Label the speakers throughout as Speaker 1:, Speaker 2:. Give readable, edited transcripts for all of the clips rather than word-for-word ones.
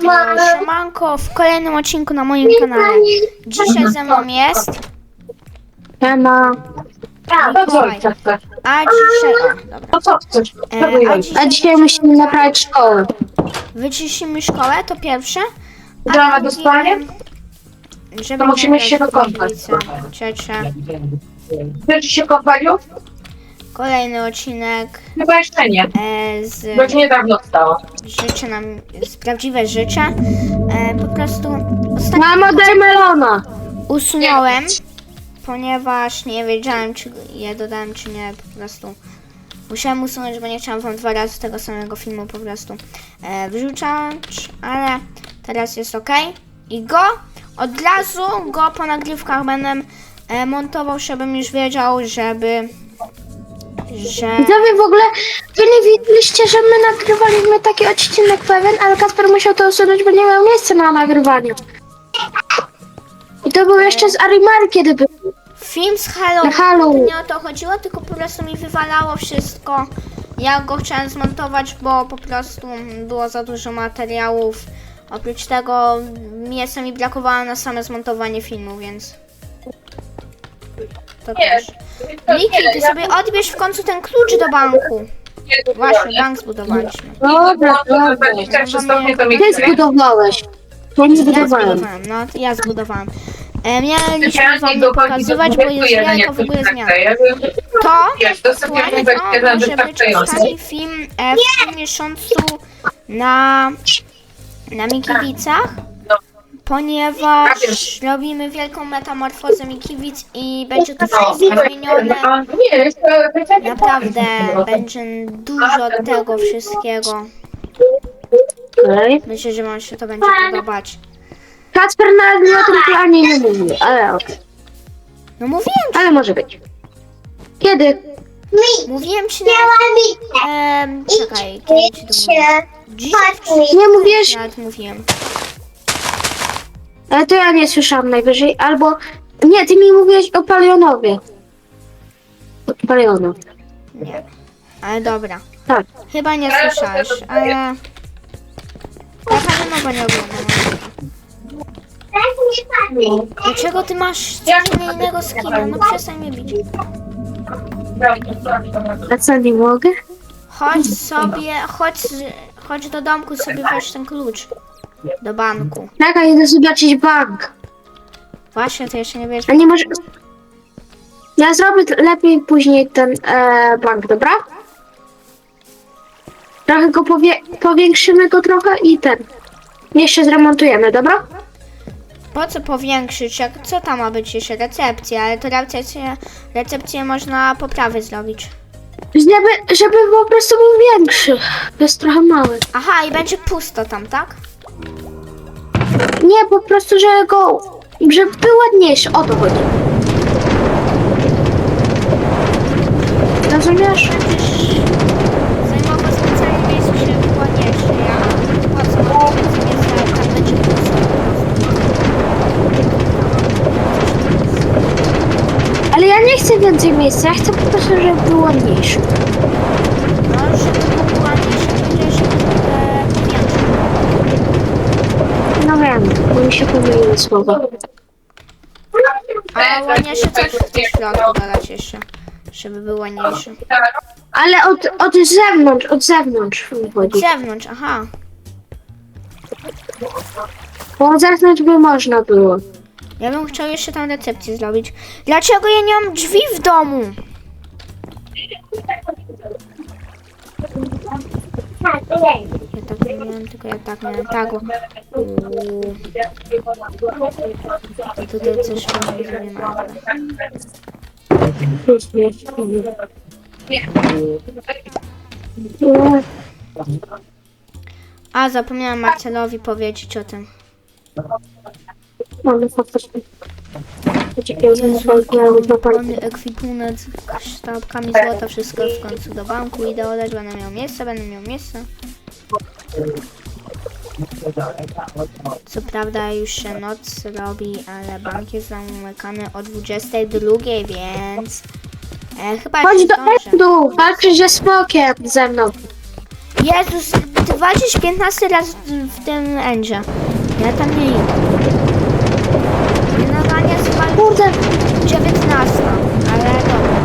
Speaker 1: Siemanko, w kolejnym odcinku na moim kanale. Dzisiaj ze mną jest
Speaker 2: Siema.
Speaker 1: Mikołaj. A dzisiaj... O, dobra.
Speaker 2: No co chcesz?
Speaker 1: A
Speaker 2: A dzisiaj musimy naprawić szkołę.
Speaker 1: wyczyścimy szkołę, to pierwsze. A
Speaker 2: Gramy
Speaker 1: drugie,
Speaker 2: do spania?
Speaker 1: żeby
Speaker 2: To musimy
Speaker 1: nie
Speaker 2: się
Speaker 1: grać w
Speaker 2: wykąpać.
Speaker 1: ulicę. Trzecie.
Speaker 2: Chcesz się kąpać już?
Speaker 1: Kolejny odcinek
Speaker 2: Chyba jeszcze nie. Bo już niedawno stało.
Speaker 1: życzę nam, z prawdziwe życzę. Po prostu ostatnio
Speaker 2: Mamo, daj melona.
Speaker 1: usunąłem, ponieważ nie wiedziałem, czy je dodałem, czy nie, po prostu musiałem usunąć, bo nie chciałam wam 2 razy tego samego filmu po prostu wrzucać, ale teraz jest ok. I od razu go po nagrywkach będę montował, żebym już wiedział, że...
Speaker 2: Widzowie, w ogóle wy nie widzieliście, że my nagrywaliśmy taki odcinek pewien, ale Kasper musiał to usunąć, bo nie miał miejsca na nagrywaniu. I to był jeszcze z Arimar, kiedy był.
Speaker 1: Film z Halloween,
Speaker 2: Halloween.
Speaker 1: nie o to chodziło, tylko po prostu mi wywalało wszystko. Ja go chciałem zmontować, bo po prostu było za dużo materiałów. Oprócz tego miejsca mi brakowało na same zmontowanie filmu, więc... To też. Miki, ty sobie odbierz w końcu ten klucz do banku. Właśnie, bank zbudowaliśmy.
Speaker 2: Dobra, Ty zbudowałeś. Ja nie
Speaker 1: Ja
Speaker 2: zbudowałem.
Speaker 1: zbudowałem, no to ja zbudowałem. Mieliśmy wam nie pokazywać, bo jest wielka w ogóle zmiana. To aktualnie to może być ostatni film w tym miesiącu na Mikiewicach, ponieważ robimy wielką metamorfozę Mikiewic i będzie to wszystko zmienione. Naprawdę będzie dużo tego wszystkiego.
Speaker 2: Okej.
Speaker 1: Myślę, że wam się to będzie podobać.
Speaker 2: Kacper nawet na tym planie nie mówił, ale okej.
Speaker 1: No mówiłem,
Speaker 2: Ale może być. Kiedy?
Speaker 1: mówiłem ci nawet... czekaj, kiedy ci to mówiłem? Dzisiaj
Speaker 2: Nie mówisz,
Speaker 1: nawet mówiłem.
Speaker 2: ale to ja nie słyszałam najwyżej, albo... Nie, ty mi mówiłeś o Palionowie. O Palionow.
Speaker 1: Nie. Ale dobra.
Speaker 2: Tak.
Speaker 1: Chyba nie słyszałeś, ale... Ja Palionowa nie oglądam. Dlaczego ty masz zupełnie innego skina? No przestań mnie bić.
Speaker 2: A co, nie mogę?
Speaker 1: Chodź sobie, chodź do domku sobie weź ten klucz. Do banku.
Speaker 2: Tak, a idę zobaczyć bank.
Speaker 1: Właśnie, to jeszcze nie wiesz.
Speaker 2: A nie może... Ja zrobię lepiej później ten bank, dobra? Trochę go powiększymy go trochę i ten. Jeszcze zremontujemy, dobra?
Speaker 1: Po co powiększyć? Co tam ma być jeszcze? Recepcja, ale to recepcję można poprawy zrobić.
Speaker 2: Żeby po prostu był większy. To jest trochę mały.
Speaker 1: Aha, i będzie pusto tam, tak?
Speaker 2: Nie, po prostu, żeby był ładniejszy. O to chodzi. Rozumiesz?
Speaker 1: Będziesz zajmował specjalnie miejsce, żeby było ładniejsze. Ja po co mam więcej miejsca, jak tam będzie pusto po
Speaker 2: Ale ja nie chcę więcej miejsca. Ja chcę po prostu, żeby był ładniejszy.
Speaker 1: No, żeby było ładniejsze, będzie się powiększyć.
Speaker 2: No wiem, bo mi się pomyliły słowa.
Speaker 1: A ładniejsze coś w tym środku dodać jeszcze, żeby był ładniejszy.
Speaker 2: Ale od zewnątrz mi
Speaker 1: Z
Speaker 2: chodzi.
Speaker 1: zewnątrz, aha.
Speaker 2: Bo od zewnątrz by można było.
Speaker 1: Ja bym chciał jeszcze tam recepcję zrobić. Dlaczego ja nie mam drzwi w domu? Ja tak nie miałem, tylko ja tak miałem, tak. I tutaj coś fajnie zrobię na dole. A, zapomniałam Marcelowi powiedzieć o tym.
Speaker 2: Mamy faktycznie.
Speaker 1: Mamy ekwipunek z sztabkami złota, wszystko w końcu do banku idę oddać, będę miał miejsce. Co prawda już się noc robi, ale bank jest zamykany o 22, więc chyba
Speaker 2: Chodź
Speaker 1: się
Speaker 2: do
Speaker 1: zdążę.
Speaker 2: Endu, walczysz ze smokiem ze mną.
Speaker 1: Jezus, ty walczyć 15 razy w tym endzie. Ja tam nie idę. Generalnie jest chyba
Speaker 2: Kurde,
Speaker 1: 19, ale dobra.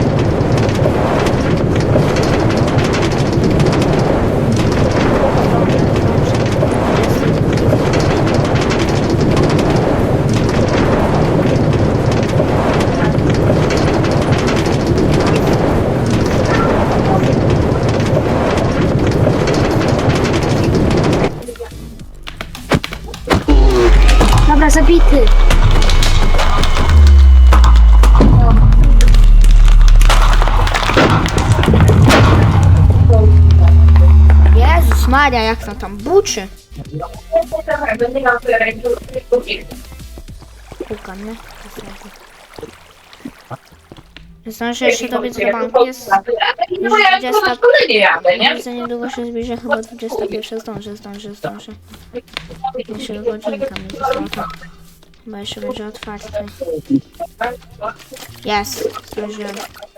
Speaker 2: dobra, zabity.
Speaker 1: Jezus Maria, jak to tam buczy. Pukam, nie? Zdążę jeszcze dobiec do banku. Jest już 20. Za niedługo się zbliża, chyba 21. Zdążę. Jeszcze godzinka mi została. Chyba jeszcze będzie otwarty. Jest, zdążyłem.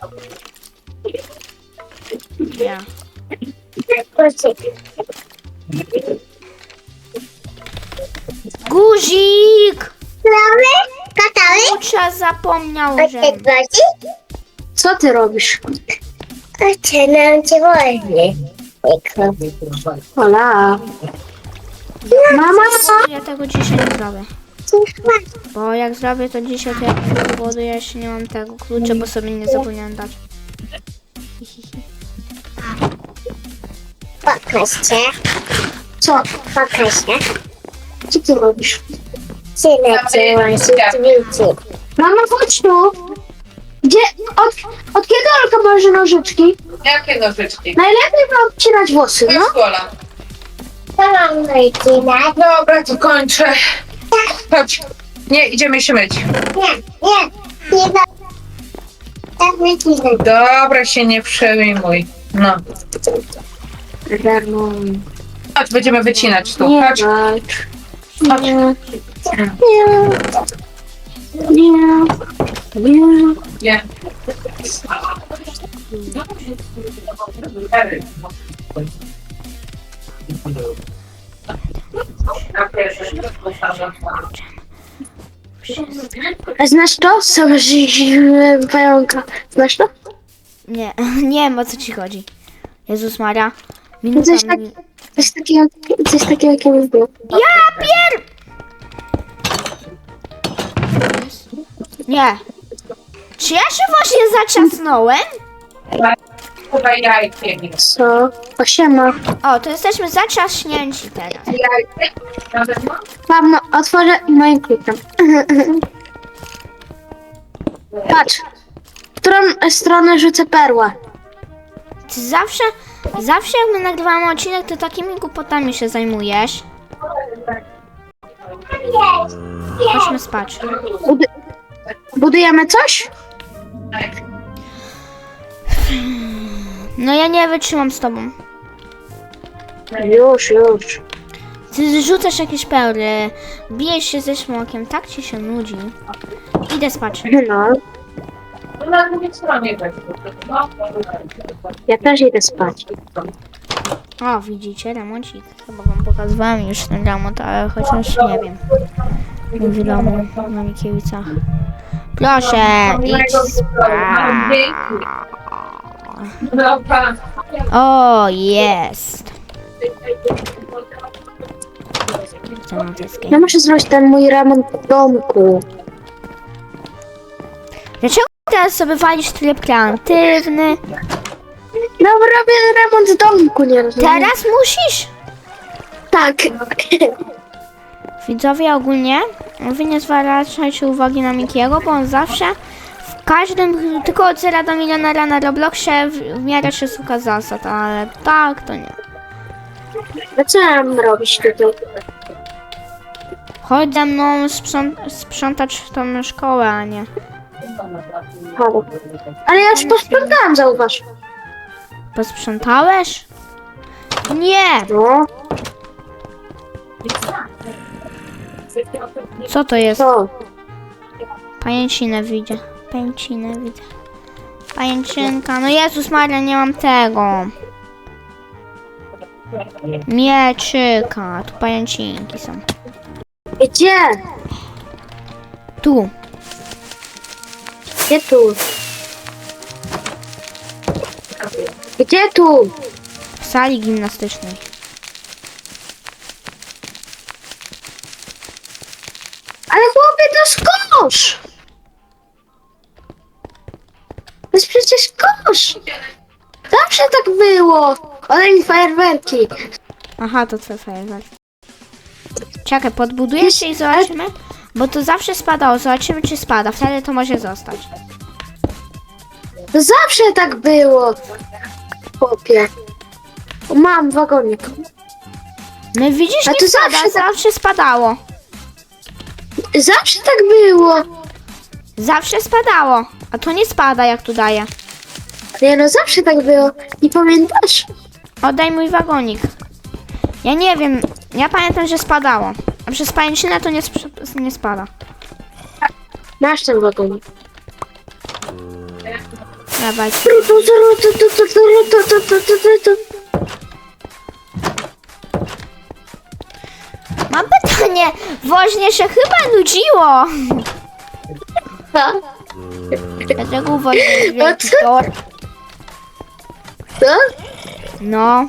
Speaker 1: Ja. Guzik! Kurczę, zapomniał, że...
Speaker 2: Co ty robisz?
Speaker 3: Zaczynam cię wolnie.
Speaker 2: Ola. Mama!
Speaker 1: Ja tego dzisiaj nie zrobię. Bo jak zrobię to dzisiaj, to jak powoduję, jeszcze nie mam tego klucza, bo sobie nie zapomniałem dać.
Speaker 3: Pokaż się.
Speaker 2: Co?
Speaker 3: Pokaż się.
Speaker 2: Co ty robisz?
Speaker 3: Synek cię łączy wilczy.
Speaker 2: Mama, chodź tu. Gdzie? Od kiedy Olka bierze nożyczki?
Speaker 4: Jakie nożyczki?
Speaker 2: Najlepiej mam obcinać włosy,
Speaker 4: To
Speaker 2: no.
Speaker 4: jest Gola.
Speaker 3: To mam wycinać.
Speaker 4: Dobra, to kończę. Chodź. Nie, idziemy się myć.
Speaker 3: Nie da. Tak wycinać.
Speaker 4: Dobra, się nie przejmuj. No. Chodź, będziemy wycinać tu.
Speaker 2: Nie
Speaker 4: Chodź.
Speaker 2: walcz.
Speaker 4: Chodź.
Speaker 2: Nie. Nie. Nie.
Speaker 4: Nie.
Speaker 2: A znasz to? Są zimne pająka. Znasz to?
Speaker 1: Nie, nie wiem o co ci chodzi. Jezus Maria. Minuta
Speaker 2: Coś, tak,
Speaker 1: mi...
Speaker 2: coś takiego kiedyś było.
Speaker 1: Ja pier... Nie. Czy ja się właśnie zaciasnąłem?
Speaker 4: Chyba jajkiem.
Speaker 2: Co? Osiema.
Speaker 1: O, to jesteśmy zaczaśnięci teraz.
Speaker 4: Jajkiem? Na zewnątrz?
Speaker 2: Mam, no, otworzę moim kluczem. Patrz. W którą stronę rzucę perłę?
Speaker 1: Ty zawsze jak my nagrywamy odcinek, to takimi głupotami się zajmujesz. Chodźmy spać.
Speaker 2: Budujemy coś?
Speaker 1: No ja nie wytrzymam z tobą.
Speaker 2: Już.
Speaker 1: Ty zrzucasz jakieś perły, bijesz się ze smokiem, tak ci się nudzi. Idę spać.
Speaker 2: No,
Speaker 4: Na drugiej stronie tak.
Speaker 2: ja też idę spać.
Speaker 1: O, widzicie, remoncik. Chyba wam pokazywałem już ten remont, ale chociaż nie wiem. W domu na Mikiewicach. Proszę, idź spać.
Speaker 4: Dobra.
Speaker 1: O, jest. Chcę na deskę.
Speaker 2: Ja muszę zrobić ten mój remont w domku.
Speaker 1: Dlaczego teraz sobie walisz tryb kreatywny?
Speaker 2: No, robię remont w domku, nie rozumiem.
Speaker 1: Teraz musisz?
Speaker 2: Tak.
Speaker 1: Widzowie, ogólnie wy nie zwracajcie uwagi na Mikiego, bo on zawsze w każdym, tylko od 0 do milionera na Robloxie w miarę się słucha zasad, ale tak to nie.
Speaker 2: No co ja mam robić tutaj?
Speaker 1: Chodź ze mną sprzątać tą szkołę, a nie.
Speaker 2: Halo. Ale ja już posprzątałam, zauważ.
Speaker 1: Posprzątałeś? Nie!
Speaker 2: No,
Speaker 1: Co to jest?
Speaker 2: co?
Speaker 1: Pajęcinę widzę. Pajęczynka. No Jezus Maria, nie mam tego. Mieczyka. Tu pajęcinki są.
Speaker 2: Gdzie?
Speaker 1: Tu.
Speaker 2: Gdzie tu? Gdzie tu?
Speaker 1: W sali gimnastycznej.
Speaker 2: Ale chłopie, to skocz! To jest przecież kosz! Zawsze tak było! Olej fajerwerki!
Speaker 1: Aha, to twoje fajerwerk. Czekaj, podbuduję się i zobaczymy. Bo to zawsze spadało. Zobaczymy, czy spada. Wtedy to może zostać.
Speaker 2: To zawsze tak było! Chłopie. O, mam wagonik.
Speaker 1: No widzisz,
Speaker 2: A
Speaker 1: nie
Speaker 2: to
Speaker 1: spada.
Speaker 2: zawsze tak-
Speaker 1: Zawsze spadało.
Speaker 2: Zawsze tak było!
Speaker 1: Zawsze spadało. A to nie spada, jak tu daje.
Speaker 2: Nie no, zawsze tak było. Nie pamiętasz?
Speaker 1: Oddaj mój wagonik. Ja nie wiem. Ja pamiętam, że spadało. A przez pajęczynę to nie spada.
Speaker 2: Masz ten wagonik.
Speaker 1: Dawaj. Mam pytanie. Woźnie się chyba nudziło. Dlaczego u woźnie jest wielki tor?
Speaker 2: Co?
Speaker 1: No.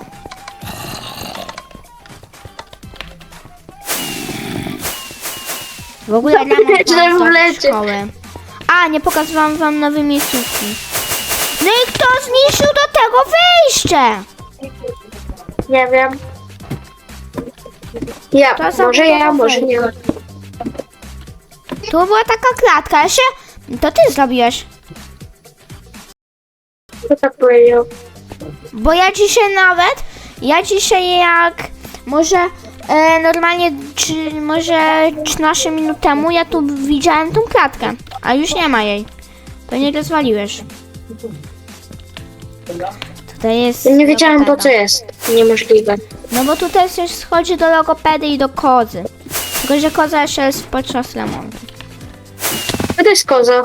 Speaker 1: W ogóle rano
Speaker 2: Źle
Speaker 1: mam
Speaker 2: wlecie.
Speaker 1: szkoły. A, nie pokazywałam wam nowej miejscówki. No i kto zniszczył do tego wyjście?
Speaker 2: Nie wiem. Ja,
Speaker 1: To za
Speaker 2: może ja,
Speaker 1: budowa
Speaker 2: może nie.
Speaker 1: Tu była taka klatka, ja się... To ty zrobiłeś.
Speaker 2: Kto tak powiedział?
Speaker 1: Bo ja dzisiaj jak może normalnie, czy może 13 minut temu ja tu widziałem tą klatkę, a już nie ma jej. To nie rozwaliłeś. Tutaj jest...
Speaker 2: Ja nie wiedziałem po
Speaker 1: logopeda.
Speaker 2: co jest. Niemożliwe.
Speaker 1: No bo tutaj też schodzi do logopedy i do kozy. Tylko, że koza jeszcze jest podczas remontu.
Speaker 2: Co to jest koza?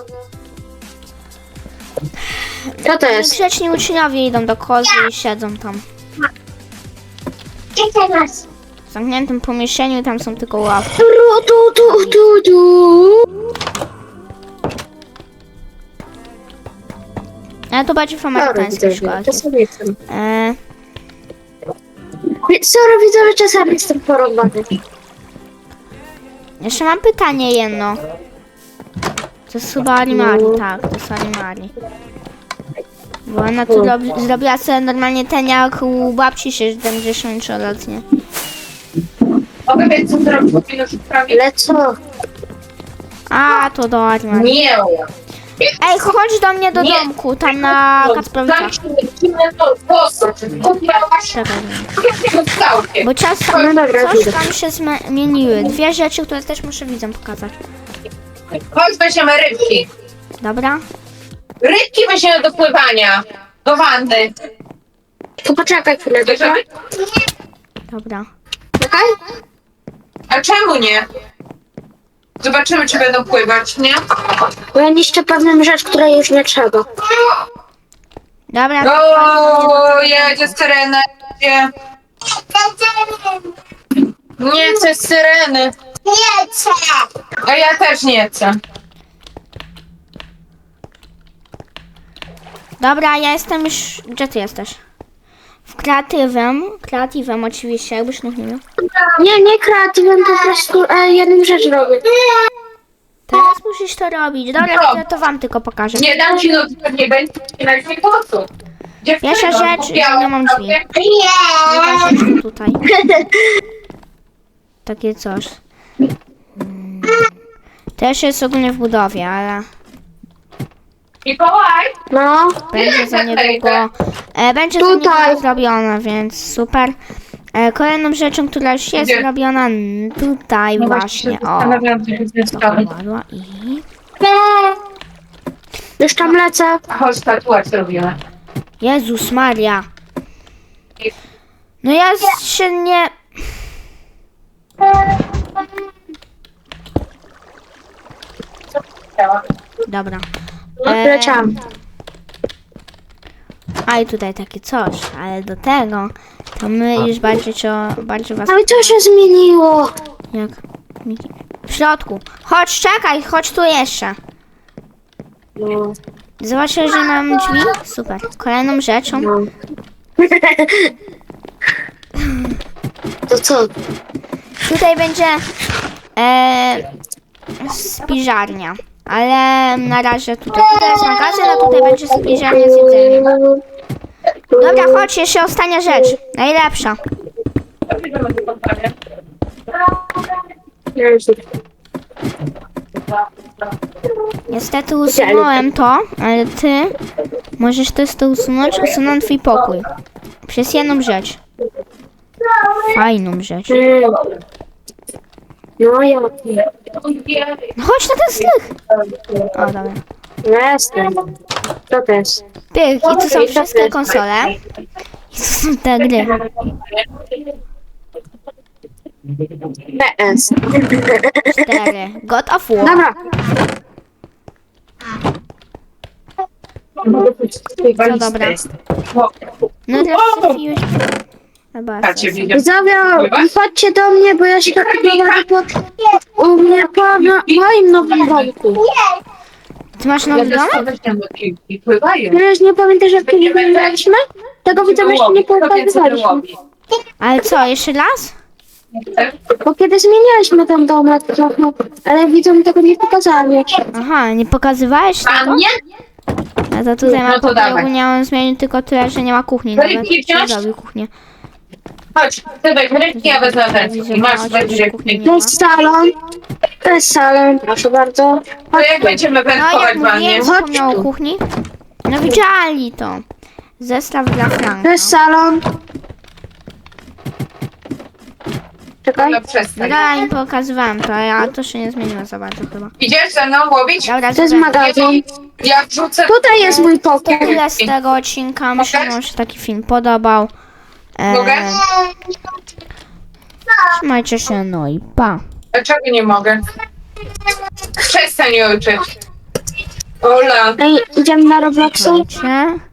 Speaker 2: Co to jest?
Speaker 1: Grzeczni uczniowie idą do kozy i siedzą tam.
Speaker 3: Czekaj nas.
Speaker 1: W zamkniętym pomieszczeniu i tam są tylko ławki.
Speaker 2: Tu.
Speaker 1: Ale to bardziej w amerykańskich szkołach jest.
Speaker 2: Czasami jestem. Sorry widzowie, czasami jestem porąbany.
Speaker 1: Jeszcze mam pytanie jedno. To jest chyba Arimari, tak, to jest Arimari. Bo ona tu zrobiła sobie normalnie ten jak u babci 73-letnie.
Speaker 4: Mogę wiedzieć, co zrobić, powinno już prawie...
Speaker 2: Ale co?
Speaker 1: A, to do Arimari.
Speaker 4: Nie!
Speaker 1: Ej, chodź do mnie do
Speaker 4: Nie.
Speaker 1: domku, tam na Kacprowicach. Czekaj. Bo
Speaker 2: No dobra,
Speaker 1: coś
Speaker 2: widzę.
Speaker 1: tam się zmieniły. Dwie rzeczy, które też muszę widzom pokazać.
Speaker 4: Chodź, weźmiemy rybki.
Speaker 1: Dobra?
Speaker 4: Rybki weźmiemy do pływania. Do wanny.
Speaker 2: To poczekaj chwilę, dobra?
Speaker 1: Dobra.
Speaker 2: Czekaj.
Speaker 4: A czemu nie? Zobaczymy, czy będą pływać, nie?
Speaker 2: Bo ja niszczę pewną rzecz, której już nie trzeba.
Speaker 1: Dobra.
Speaker 4: O, jedzie syrena. Jedzie. Nie chcę syreny.
Speaker 3: Nie chcę.
Speaker 4: A ja też nie chcę.
Speaker 1: Dobra, ja jestem już... Gdzie ty jesteś? W kreatywem oczywiście, jakbyś nie miał.
Speaker 2: Nie kreatywem, po prostu jedną rzecz robię.
Speaker 1: Teraz musisz to robić. Dobra, chwilę to wam tylko pokażę.
Speaker 4: Nie dam ci nocy, nie będzie na po co?
Speaker 1: Pierwsza rzecz, nie mam drzwi.
Speaker 3: Nie.
Speaker 1: Druga rzecz tutaj. Takie coś. Też jest ogólnie w budowie, ale
Speaker 4: Mikołaj!
Speaker 2: No,
Speaker 1: będzie za niedługo. Będzie za
Speaker 2: Tutaj.
Speaker 1: niedługo zrobione, więc super. Kolejną rzeczą, która już jest
Speaker 4: Gdzie?
Speaker 1: zrobiona tutaj właśnie. O, kładła i...
Speaker 2: już tam lecę.
Speaker 4: Chodź, tatuaż zrobimy.
Speaker 1: Jezus Maria. No ja się nie... Dobra.
Speaker 2: Leciałam.
Speaker 1: A i tutaj takie coś, ale do tego To my już bardziej was...
Speaker 2: Ale co się zmieniło?
Speaker 1: Jak? W środku. Chodź, czekaj, chodź tu jeszcze.
Speaker 2: No.
Speaker 1: Zobaczysz, że mam drzwi? Super. Kolejną rzeczą.
Speaker 2: No. To co?
Speaker 1: Tutaj będzie spiżarnia. Ale na razie tutaj jest magazyn, a tutaj będzie spiżarnia z jedzeniem. Dobra, chodź, jeszcze ostatnia rzecz. Najlepsza. Niestety usunąłem to, ale ty możesz też to usunąć. Usunąłem twój pokój. Przez jedną rzecz. Fajną rzecz.
Speaker 2: No ja.
Speaker 1: No chodź na ten strych. O, dobra.
Speaker 2: Jestem. Co to jest?
Speaker 1: Pyk, i tu są wszystkie konsole. I tu są te gry.
Speaker 2: PS.
Speaker 1: 4. God of War.
Speaker 2: Dobra.
Speaker 1: Co dobra. No teraz trafiłeś. Chyba.
Speaker 2: Widzowie, chodźcie do mnie, bo ja się tak u mnie po moim nowym domku.
Speaker 1: Ty masz nowy dom?
Speaker 2: Wiesz, nie pamiętasz jak kiedyś wyglądaliśmy? Tego widzę, jeszcze nie pokazywaliśmy.
Speaker 1: Ale co, jeszcze raz?
Speaker 2: Bo kiedy zmienialiśmy ten domek trochę, ale widzę, mi tego nie pokazali jeszcze.
Speaker 1: Aha, nie pokazywałeś
Speaker 4: A
Speaker 1: tego?
Speaker 4: nie?
Speaker 1: A to tutaj
Speaker 4: No
Speaker 1: mam
Speaker 4: to
Speaker 1: pokój,
Speaker 4: dawaj.
Speaker 1: ogólnie on zmienił tylko tyle, że nie ma kuchni.
Speaker 4: Rybki
Speaker 1: Nawet nie
Speaker 4: wziąć?
Speaker 1: zrobił kuchnię.
Speaker 4: Chodź, ty weź rybki, ja wezmę ten. I masz będzie
Speaker 1: kuchni nie
Speaker 2: To
Speaker 1: ma.
Speaker 2: jest salon. To jest salon, proszę bardzo.
Speaker 4: To jak będziemy
Speaker 1: No
Speaker 4: wędkować
Speaker 1: jak
Speaker 4: w wannie?
Speaker 1: mówiłem, zapomniał o kuchni. No widzieli to. Zestaw dla
Speaker 2: To
Speaker 1: Franka.
Speaker 2: jest salon. Czekaj.
Speaker 4: No przestań.
Speaker 1: Dobra, im pokazywałem to, a to się nie zmieniło za bardzo chyba.
Speaker 4: Idziesz ze mną łowić?
Speaker 1: Dobra,
Speaker 2: To jest
Speaker 1: dobra.
Speaker 2: magazyn.
Speaker 4: Ja wrzucę...
Speaker 2: Tutaj jest mój pokój.
Speaker 1: Tyle z tego odcinka. Myślę, że wam się taki film podobał.
Speaker 4: Mogę?
Speaker 1: Trzymajcie się, no i pa.
Speaker 4: Dlaczego nie mogę? Przestań ojczyć. Ola.
Speaker 2: Ej, idziemy na Robloxa.
Speaker 1: Słuchajcie.